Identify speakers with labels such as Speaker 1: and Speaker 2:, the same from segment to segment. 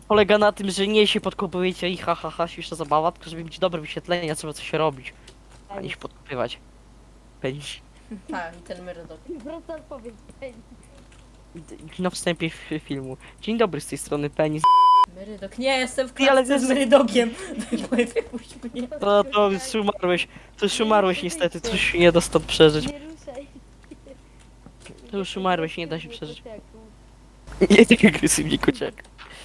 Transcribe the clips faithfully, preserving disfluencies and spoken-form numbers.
Speaker 1: polega na tym, że nie się podkopujecie i ha ha ha, śmieszna zabawa, tylko żeby mieć dobre wyświetlenia, trzeba coś robić, a nie się podkopywać. Penis.
Speaker 2: Tak, i ten myrodok.
Speaker 3: Wracam powiedzieć.
Speaker 1: Na wstępie f- filmu. Dzień dobry, z tej strony Penis.
Speaker 2: Myrydok. Nie, jestem w
Speaker 1: Ty, ale
Speaker 2: klatce z
Speaker 1: to-
Speaker 2: myrydokiem. Wypuść mnie.
Speaker 1: To, to już umarłeś, to już umarłeś niestety, coś się nie da stąd przeżyć.
Speaker 3: Nie ruszaj.
Speaker 1: To już umarłeś, nie da się przeżyć. Nie tak agresywnie, kociak.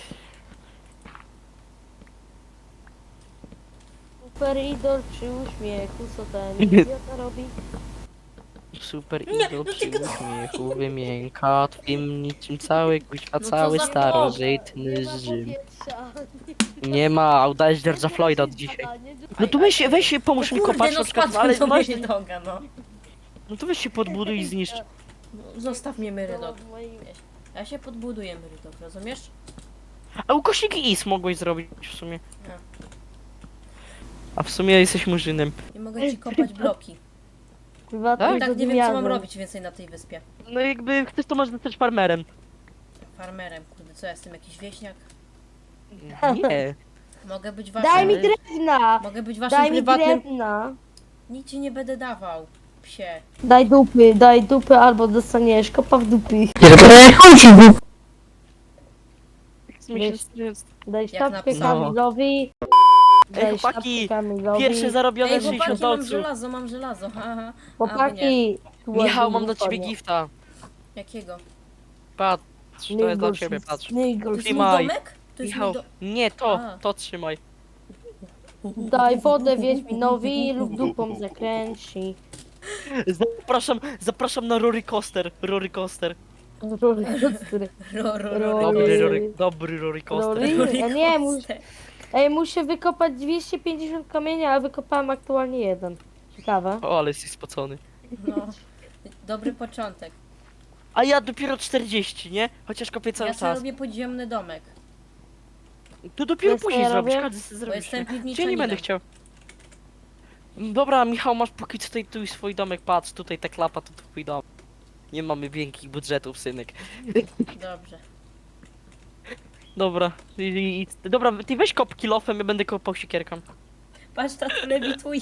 Speaker 3: Super idol przy uśmiechu, co ten idiota robi?
Speaker 1: Super
Speaker 2: Nie,
Speaker 1: idol
Speaker 2: no
Speaker 1: przy
Speaker 2: ty-
Speaker 1: uśmiechu wymienka twym niczym cały kuźwa,
Speaker 2: No co
Speaker 1: cały
Speaker 2: za
Speaker 1: starożytny
Speaker 3: Nie ma
Speaker 1: Rzym.
Speaker 3: powietrza.
Speaker 1: Nie ma, udałeś George'a Floyda od dzisiaj. No to weź, weź się, pomóż mi
Speaker 2: Kurde,
Speaker 1: kopać
Speaker 2: no
Speaker 1: na przykład, no,
Speaker 2: spadłem
Speaker 1: ale
Speaker 2: do
Speaker 1: masz,
Speaker 2: myrydoga, no.
Speaker 1: no to weź się podbuduj i zniszcz.
Speaker 2: No, zostaw mnie myrydok.
Speaker 3: W moim...
Speaker 2: Ja się podbuduję myrydok, rozumiesz?
Speaker 1: A ukośnik is mogłeś zrobić w sumie.
Speaker 2: No.
Speaker 1: A w sumie jesteś murzynem.
Speaker 2: Nie mogę ci kopać bloki.
Speaker 3: Prywatnym
Speaker 2: Tak, nie wiem co mam
Speaker 3: zadymiarzem.
Speaker 2: robić więcej na tej wyspie.
Speaker 1: No jakby chcesz, to możesz zostać farmerem.
Speaker 2: Farmerem, kurde, co ja jestem, jakiś wieśniak?
Speaker 1: Nie.
Speaker 2: Mogę być waszym...
Speaker 3: Daj mi drewna!
Speaker 2: Mogę być waszym
Speaker 3: Daj mi
Speaker 2: prywatnym...
Speaker 3: drewna!
Speaker 2: Nic ci nie będę dawał, psie.
Speaker 3: Daj dupy, daj dupy albo dostaniesz kopa w dupy. Daj sztabkę
Speaker 2: napisałem.
Speaker 3: Kamilowi.
Speaker 1: Ej,
Speaker 3: Daj
Speaker 1: chłopaki,
Speaker 3: sztabkę Kamilowi.
Speaker 1: Pierwsze zarobione
Speaker 2: Ej,
Speaker 1: sześćdziesiąt
Speaker 2: chłopaki, mam
Speaker 1: dolców.
Speaker 2: żelazo, mam żelazo, haha.
Speaker 3: Chłopaki! tu
Speaker 1: Michał,
Speaker 3: ładnie
Speaker 1: mam dla ciebie
Speaker 3: wychodzi.
Speaker 1: gifta.
Speaker 2: Jakiego?
Speaker 1: Patrz, to jest dla ciebie, patrz.
Speaker 2: To jest mój
Speaker 1: Trzymaj.
Speaker 2: domek? To jest
Speaker 1: Michał,
Speaker 2: mój do...
Speaker 1: nie to,
Speaker 2: A.
Speaker 1: to trzymaj.
Speaker 3: Daj wodę Wiedźminowi lub dupą zakręci.
Speaker 1: Zapraszam, zapraszam na Rory Coaster, Rory Coaster.
Speaker 3: Rory Coaster.
Speaker 2: Ro, ro, ro,
Speaker 3: Rory.
Speaker 1: Dobry Rory, dobry Rory Coaster.
Speaker 3: Rory? Ja nie, mus...
Speaker 2: Coaster.
Speaker 3: Ej, muszę wykopać dwieście pięćdziesiąt kamienia, a wykopałem aktualnie jeden. Ciekawe.
Speaker 1: O, ale jesteś spocony.
Speaker 2: No, dobry początek.
Speaker 1: A ja dopiero czterdzieści, nie? Chociaż kopię cały
Speaker 2: Ja sobie
Speaker 1: czas.
Speaker 2: robię podziemny domek,
Speaker 1: To dopiero
Speaker 3: Wiesz, co
Speaker 1: później
Speaker 3: ja
Speaker 1: zrobisz,
Speaker 3: robię?
Speaker 1: każdy sobie
Speaker 2: bo
Speaker 1: zrobisz.
Speaker 2: jestem
Speaker 1: nie? Czy ja nie
Speaker 2: piwniczaninem.
Speaker 1: będę chciał. Dobra, Michał, masz póki co tutaj tu swój domek, patrz, tutaj ta klapa, to twój dom. Nie mamy wielkich budżetów, synek.
Speaker 2: Dobrze.
Speaker 1: Dobra, i, i, i- dobra, ty weź kop kilofem, ja będę kopał siekierką.
Speaker 2: Patrz, tato lewituje.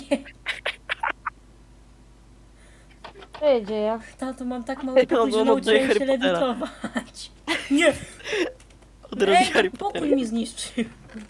Speaker 3: Co się dzieje?
Speaker 2: Tato, mam tak mały pokój,
Speaker 1: No,
Speaker 2: że
Speaker 1: no, oddaję
Speaker 2: nauczyłem się
Speaker 1: Harry Pottera.
Speaker 2: lewitować. Nie!
Speaker 1: Od razu
Speaker 2: Ej,
Speaker 1: Harry
Speaker 2: pokój
Speaker 1: Pottera.
Speaker 2: mi zniszczył.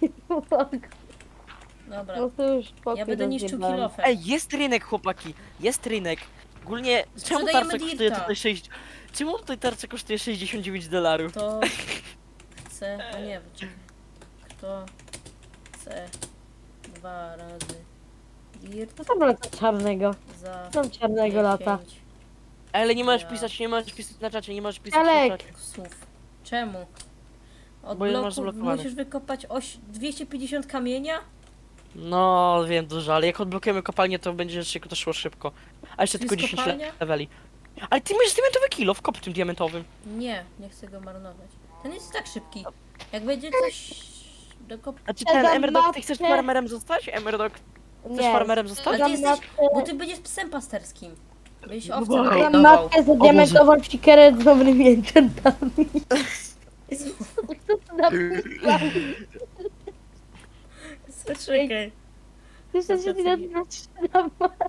Speaker 2: Dobra,
Speaker 3: No to już pokój
Speaker 2: ja będę niszczył
Speaker 3: rozjebałem.
Speaker 2: kilofem.
Speaker 1: Ej, jest rynek, chłopaki, jest rynek. Ogólnie, czemu
Speaker 2: Sprzedajemy
Speaker 1: tarcza kosztuje
Speaker 2: dirta.
Speaker 1: tutaj sześć... Czemu tutaj tarcza kosztuje sześćdziesiąt dziewięć dolarów?
Speaker 2: To chce... A nie, czekaj. Kto chce dwa razy dirt
Speaker 3: Co tam lata czarnego?
Speaker 2: za
Speaker 3: Co tam czarnego lata?
Speaker 2: dziesięć
Speaker 1: Ale nie możesz
Speaker 2: Ja.
Speaker 1: pisać, nie możesz pisać na czacie, nie możesz pisać
Speaker 3: Alek.
Speaker 1: na czacie.
Speaker 2: słów. Czemu? Od
Speaker 1: Bo je masz
Speaker 2: bloku
Speaker 1: zablokowane.
Speaker 2: musisz wykopać oś dwieście pięćdziesiąt kamienia?
Speaker 1: No, wiem dużo, ale jak odblokujemy kopalnię, to będzie szybko, to szło szybko. A jeszcze
Speaker 2: To
Speaker 1: tylko
Speaker 2: jest
Speaker 1: dziesięć
Speaker 2: kopalnia?
Speaker 1: leveli. Ale ty masz diamentowy kilo, wkop tym diamentowym.
Speaker 2: Nie, nie chcę go marnować. Ten jest tak szybki. Jak będzie coś do kop...
Speaker 1: A czy
Speaker 3: Ja
Speaker 1: ten
Speaker 3: dam
Speaker 1: Emerdok, ty chcesz
Speaker 3: matkę.
Speaker 1: farmerem zostać? Emerdok, chcesz
Speaker 3: Nie.
Speaker 1: farmerem zostać?
Speaker 2: Ale ty
Speaker 3: Dam
Speaker 2: jesteś...
Speaker 3: matkę,
Speaker 2: Bo ty będziesz psem pasterskim. Będziesz
Speaker 1: No
Speaker 2: owcem
Speaker 1: bo-
Speaker 3: dam
Speaker 2: hodował.
Speaker 3: matkę za diamentową sikerę z dobrymi enchantami. Co to napisał?
Speaker 2: Czekaj.
Speaker 3: Jeszcze się nie zaczyna.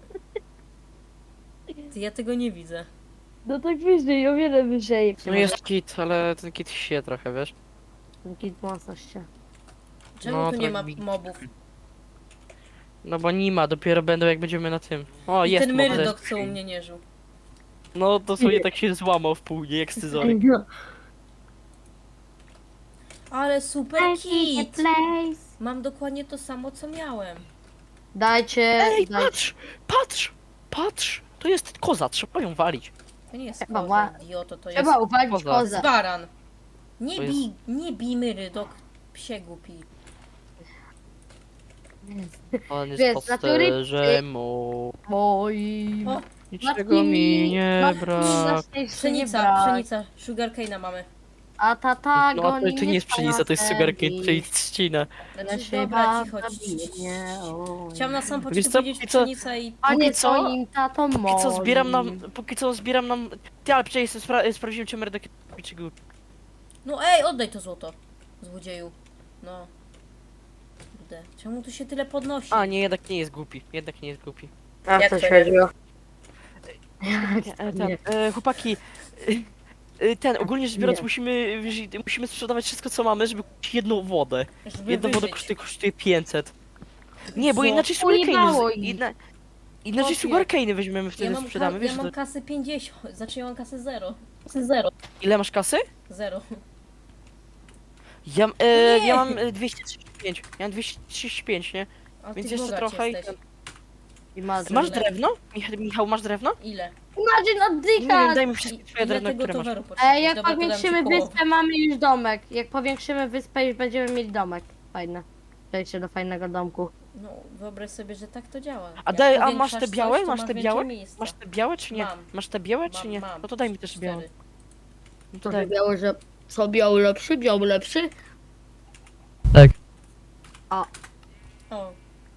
Speaker 2: Ty, ja tego nie widzę.
Speaker 3: No tak wyżej, o wiele wyżej.
Speaker 1: No jest kit, ale ten kit się trochę, wiesz?
Speaker 3: Git mocno się.
Speaker 2: Czemu
Speaker 1: No,
Speaker 2: tu
Speaker 1: to
Speaker 2: nie ma
Speaker 1: jak mi-
Speaker 2: mobów?
Speaker 1: No bo nie ma, dopiero będą jak będziemy na tym. O,
Speaker 2: I
Speaker 1: jest
Speaker 2: ten
Speaker 1: mob
Speaker 2: myrydok,
Speaker 1: desk.
Speaker 2: co u mnie nie żył.
Speaker 1: No to sobie tak się złamał w pół, nie jak scyzoryk.
Speaker 2: Ale super kit!
Speaker 3: place.
Speaker 2: Mam dokładnie to samo, co miałem.
Speaker 3: Dajcie,
Speaker 1: Ej,
Speaker 3: dajcie.
Speaker 1: patrz! Patrz! Patrz! To jest koza, trzeba ją walić.
Speaker 2: To nie jest
Speaker 3: Trzeba
Speaker 2: koza,
Speaker 3: ła-
Speaker 2: idioto, to jest
Speaker 3: Trzeba uwalić
Speaker 1: Koza.
Speaker 3: kozę.
Speaker 2: baran. Nie
Speaker 1: To jest-
Speaker 2: bij, nie bij myrydok, psie głupi.
Speaker 1: On
Speaker 3: Wiesz,
Speaker 1: jest
Speaker 3: z natury
Speaker 1: pasterzem mu.
Speaker 3: Moim.
Speaker 2: O,
Speaker 1: Niczego mi nie brak.
Speaker 2: Pszenica, pszenica, sugarcane'a mamy.
Speaker 3: A tata
Speaker 1: No
Speaker 3: go
Speaker 1: a to, to nie jest pszenica, to jest sugarcane, czyli trzcina.
Speaker 2: Znaczy,
Speaker 3: Ja się
Speaker 2: dobra, cicho.
Speaker 3: nie.
Speaker 2: Chciałam na sam
Speaker 1: Wiesz
Speaker 2: początku
Speaker 1: co,
Speaker 2: powiedzieć
Speaker 1: póki co-
Speaker 2: pszenica i...
Speaker 3: A nie
Speaker 1: Póki co-
Speaker 3: twoim tatą moim.
Speaker 1: Póki co zbieram nam, póki co zbieram nam... Ty, ale przecież spra sprawdziłem cię merdek...
Speaker 2: No ej, oddaj to złoto, złodzieju. No. Kurde. Czemu tu się tyle podnosi?
Speaker 1: A, nie, jednak nie jest głupi. Jednak nie jest głupi.
Speaker 3: A
Speaker 2: Jak
Speaker 3: co
Speaker 2: to
Speaker 3: się
Speaker 2: nie?
Speaker 3: chodziło?
Speaker 1: E, ten, e, chłopaki, e, e, ten, ogólnie rzecz biorąc, musimy, wiesz, musimy sprzedawać wszystko, co mamy, żeby kupić jedną wodę.
Speaker 2: Żeby
Speaker 1: Jedna woda
Speaker 2: wyżyć.
Speaker 1: kosztuje, kosztuje pięćset. Nie, bo
Speaker 2: Co?
Speaker 1: inaczej
Speaker 3: Ujebało
Speaker 1: sugarcane'y,
Speaker 3: ich.
Speaker 1: inna, inaczej
Speaker 2: Chłopie.
Speaker 1: sugarcane'y weźmiemy,
Speaker 2: Ja
Speaker 1: wtedy
Speaker 2: mam,
Speaker 1: sprzedamy,
Speaker 2: ka-
Speaker 1: wiesz,
Speaker 2: ja
Speaker 1: że
Speaker 2: mam
Speaker 1: to...
Speaker 2: kasę pięćdziesiąt, znaczy ja mam kasę zero. Kasę zero.
Speaker 1: Ile masz kasy?
Speaker 2: Zero.
Speaker 1: Ja, e,
Speaker 2: Nie.
Speaker 1: ja mam e, dwieście trzydzieści pięć, ja mam dwieście trzydzieści pięć, nie?
Speaker 2: A
Speaker 1: Więc
Speaker 2: ty
Speaker 1: jeszcze
Speaker 2: bogacz
Speaker 1: trochę i
Speaker 2: jesteś.
Speaker 1: ten...
Speaker 3: I masz.
Speaker 1: Masz
Speaker 2: Ile?
Speaker 1: drewno? Michał, Michał, masz drewno?
Speaker 2: Ile?
Speaker 3: Imagine
Speaker 1: Nie wiem,
Speaker 3: oddychać!
Speaker 1: daj mi
Speaker 2: I,
Speaker 1: wszystkie twoje
Speaker 2: ile
Speaker 1: drewno,
Speaker 2: tego
Speaker 1: które masz.
Speaker 2: towaru potrzebujesz?
Speaker 3: E, jak
Speaker 2: Dobra, to dam ci
Speaker 3: powiększymy
Speaker 2: połowę.
Speaker 3: wyspę, mamy już domek. Jak powiększymy wyspę, już będziemy mieć domek. Fajne. Przejście do fajnego domku.
Speaker 2: No, wyobraź sobie, że tak to działa.
Speaker 1: A,
Speaker 2: Jak
Speaker 1: daj, a masz
Speaker 2: powiększasz
Speaker 1: te białe?
Speaker 2: coś, to
Speaker 1: masz te
Speaker 2: więcej
Speaker 1: białe?
Speaker 2: miejsca.
Speaker 1: Masz te białe czy nie?
Speaker 2: Mam.
Speaker 1: Masz te białe czy
Speaker 2: Mam,
Speaker 1: nie?
Speaker 2: mam.
Speaker 1: No to daj mi też
Speaker 2: Cztery.
Speaker 1: białe. No to
Speaker 3: To
Speaker 1: daj.
Speaker 3: biały, że... Co biały lepszy? Biały lepszy?
Speaker 2: O.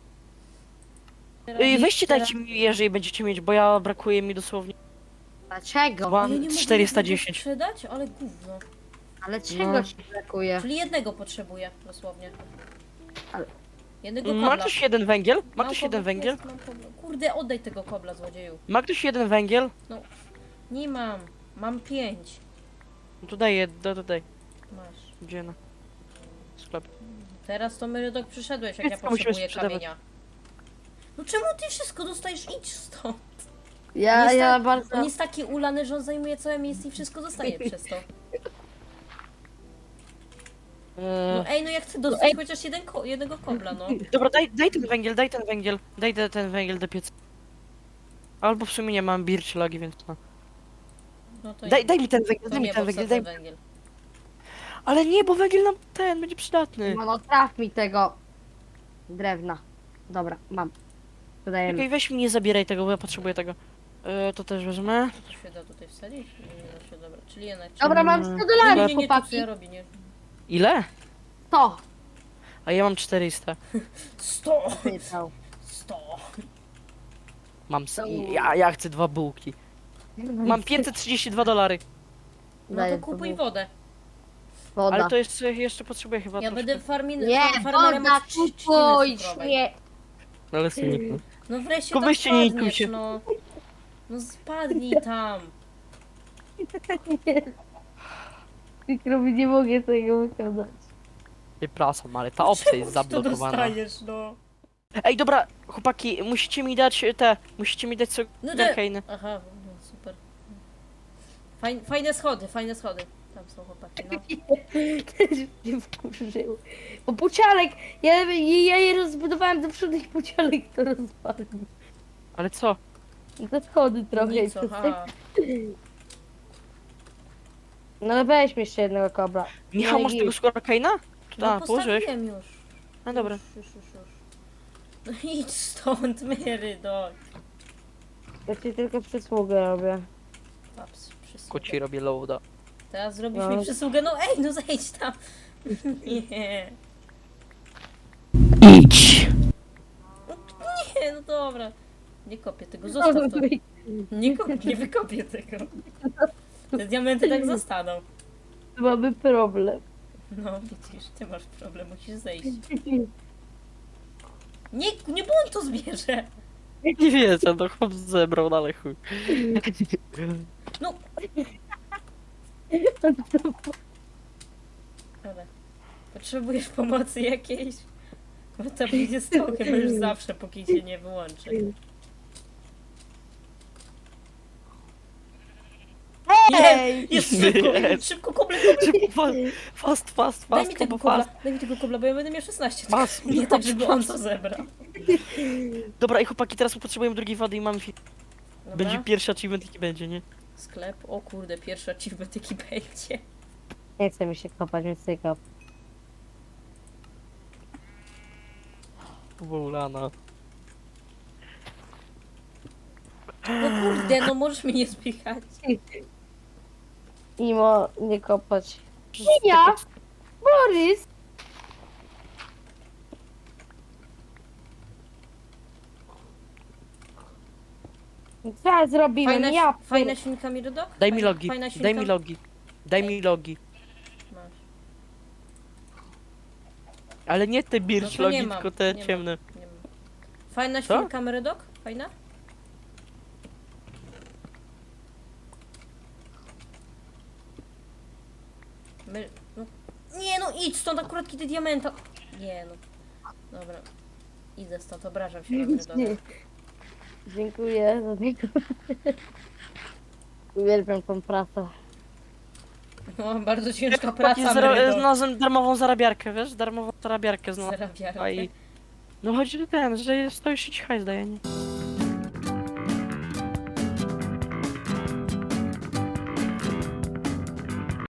Speaker 1: Ej, weźcie dajcie mi, jeżeli będziecie mieć, bo ja brakuje mi dosłownie.
Speaker 3: Dlaczego?
Speaker 1: Dwa-
Speaker 2: A ja nie mogę
Speaker 1: czterysta
Speaker 2: jednego
Speaker 1: dziesięć.
Speaker 2: sprzedać? Ale gówno.
Speaker 3: Ale czego
Speaker 1: No.
Speaker 3: ci brakuje?
Speaker 2: Czyli jednego potrzebuję, dosłownie.
Speaker 3: Ale-
Speaker 2: Jednego
Speaker 1: Ma
Speaker 2: kobla.
Speaker 1: ktoś jeden węgiel? Ma
Speaker 2: Mam
Speaker 1: ktoś
Speaker 2: kobla,
Speaker 1: jeden węgiel?
Speaker 2: jest, mam kobla. Kurde, oddaj tego kobla, złodzieju.
Speaker 1: Ma ktoś jeden węgiel?
Speaker 2: Nie mam. Mam pięć.
Speaker 1: No to daj, do, daj.
Speaker 2: Masz.
Speaker 1: Gdzie na? Sklep.
Speaker 2: Teraz to Myrydok przyszedłeś, jak ja
Speaker 1: Wszystko musimy
Speaker 2: potrzebuję
Speaker 1: sprzedawać.
Speaker 2: kamienia. No czemu ty wszystko dostajesz? Idź stąd.
Speaker 3: Ja,
Speaker 2: Jest
Speaker 3: ja
Speaker 2: tak-
Speaker 3: bardzo...
Speaker 2: On jest taki ulany, że on zajmuje całe miejsce i wszystko dostaje przez to.
Speaker 1: Eee,
Speaker 2: No ej, no ja chcę dostać chociaż jeden ko jednego kobla, no.
Speaker 1: dobra, daj, daj ten węgiel, daj ten węgiel. Daj te- ten węgiel do pieca. Albo w sumie nie mam birch logi, więc no.
Speaker 2: No to
Speaker 1: Daj,
Speaker 2: nie-
Speaker 1: daj mi ten węgiel,
Speaker 2: to
Speaker 1: daj mi
Speaker 2: nie,
Speaker 1: ten
Speaker 2: bo
Speaker 1: węgiel,
Speaker 2: wsadzę
Speaker 1: daj.
Speaker 2: węgiel.
Speaker 1: Ale nie, bo węgiel nam ten będzie przydatny.
Speaker 3: No, no traf mi tego... drewna. Dobra, mam. Dodajemy.
Speaker 1: Okej, weź mi, nie zabieraj tego, bo ja potrzebuję tego. Eee, to też wezmę.
Speaker 2: To się da tutaj wsadzić? Nie, nie da się, dobra. Czyli jednak...
Speaker 3: Dobra, mam
Speaker 1: Mm.
Speaker 3: sto
Speaker 2: nie,
Speaker 3: dolarów,
Speaker 2: nie, nie, nie, to co
Speaker 3: chłopaki.
Speaker 2: ja robię, nie.
Speaker 1: Ile?
Speaker 3: To!
Speaker 1: A ja mam czterysta.
Speaker 2: Sto!
Speaker 3: Pytał.
Speaker 2: Sto!
Speaker 1: Mam. s- Ja, ja chcę dwa bułki. Mam pięćset trzydzieści dwa dolary.
Speaker 2: No
Speaker 3: Daję
Speaker 2: to kupuj
Speaker 3: to
Speaker 2: wodę.
Speaker 3: Woda.
Speaker 1: Ale to jeszcze, jeszcze potrzebuję chyba
Speaker 2: Ja
Speaker 1: troszkę.
Speaker 2: będę farmin...
Speaker 3: Nie,
Speaker 2: far- farmerem
Speaker 3: woda,
Speaker 2: od trzciny
Speaker 3: kupuj,
Speaker 2: cukrowej.
Speaker 3: nie.
Speaker 1: Ale syniku.
Speaker 2: No wreszcie
Speaker 1: Tylko
Speaker 2: tam
Speaker 1: weźcie, nie
Speaker 2: spadniesz,
Speaker 1: ikujcie.
Speaker 2: no. No spadnij tam.
Speaker 3: Mikrowi nie mogę tego wykazać.
Speaker 1: Przepraszam, ale ta opcja jest
Speaker 2: To
Speaker 1: zablokowana.
Speaker 2: dostajesz, no.
Speaker 1: Ej, dobra, chłopaki, musicie mi dać te, musicie mi dać
Speaker 2: No
Speaker 1: sugarcane'y.
Speaker 2: Aha, no super. Fajne, fajne schody, fajne schody. Tam są chłopaki, no.
Speaker 3: Też mnie wkurzył. Bo pucialek, ja, ja je rozbudowałem do przodu i pucialek to rozwalił.
Speaker 1: Ale co?
Speaker 3: I te schody trochę. i
Speaker 2: Nic,
Speaker 3: przez
Speaker 2: aha.
Speaker 3: No ale weźmy jeszcze jednego kobra.
Speaker 1: Michał,
Speaker 3: No
Speaker 1: masz
Speaker 3: i
Speaker 1: tego sugarcane'a?
Speaker 2: No
Speaker 1: A, położyłeś?
Speaker 2: postawiłem już.
Speaker 1: No dobra.
Speaker 2: Już, już, już, już. No idź stąd, Myrydok.
Speaker 3: Ja ci tylko przysługę robię.
Speaker 2: Paps, przysługę.
Speaker 1: Koci robię loada.
Speaker 2: Teraz zrobisz
Speaker 3: No.
Speaker 2: mi przysługę, no ej, no zejdź tam. Nie.
Speaker 1: Idź!
Speaker 2: Nie, no dobra. Nie kopię tego, zostaw to. Nie kopię, nie wykopię tego. Te diamenty tak zostaną.
Speaker 3: Mamy problem.
Speaker 2: No widzisz, ty masz problem, musisz zejść. Nie, nie, bo on to zbierze.
Speaker 1: Nie wiecie, to chłop zebrał, no ale chuj.
Speaker 2: No. Dobra. Potrzebujesz pomocy jakiejś? Bo to będzie stał chyba już zawsze, póki się nie wyłączy.
Speaker 3: Ej!
Speaker 2: Jest szybko, szybko koble, koble.
Speaker 1: Szybko, fast, fast,
Speaker 2: Daj
Speaker 1: fast,
Speaker 2: mi tego
Speaker 1: kobo,
Speaker 2: kobla,
Speaker 1: fast.
Speaker 2: daj mi tego kobla, bo ja będę miał szesnaście.
Speaker 1: Fast,
Speaker 2: Nie tak, żeby on to zebrał.
Speaker 1: Dobra, i chłopaki, teraz potrzebujemy drugiej wody i mamy fi...
Speaker 2: Dobra.
Speaker 1: Będzie pierwszy achievement, jaki będzie, nie?
Speaker 2: Sklep, o kurde, pierwszy achievement jaki będzie.
Speaker 3: Nie chce mi się kopać, więc nie kop.
Speaker 1: Wołlana.
Speaker 2: No kurde, no możesz mnie nie spychać.
Speaker 3: Imo, nie kopać. Ja? Borys! Co zrobimy?
Speaker 2: Fajna,
Speaker 3: Ja
Speaker 2: fajna świnka Mirodok?
Speaker 1: Daj mi
Speaker 2: Fajna-
Speaker 1: logi,
Speaker 2: Fajna świnka?
Speaker 1: daj mi logi. Daj mi logi.
Speaker 2: Masz.
Speaker 1: Ale nie te
Speaker 2: No
Speaker 1: birch
Speaker 2: to nie
Speaker 1: logi,
Speaker 2: mam,
Speaker 1: tylko te
Speaker 2: nie mam.
Speaker 1: ciemne.
Speaker 2: Nie mam. Fajna
Speaker 1: Co?
Speaker 2: świnka Meredok? Fajna? My... No... Nie no, idź stąd akurat kiedy diamenta. Nie no. Dobra. Idę stąd, obrażam się na Meredoka.
Speaker 3: Nie. Dziękuję za tego. Uwielbiam tą pracę.
Speaker 2: No, bardzo ciężka
Speaker 1: Chłopaki,
Speaker 2: praca,
Speaker 1: zara-
Speaker 2: Meredok.
Speaker 1: znalazłem darmową zarabiarkę, wiesz? Darmową zarabiarkę znalazłem.
Speaker 2: Zarabiarkę.
Speaker 1: A i- No chodzi o ten, że stoisz i ci hajs daje, nie?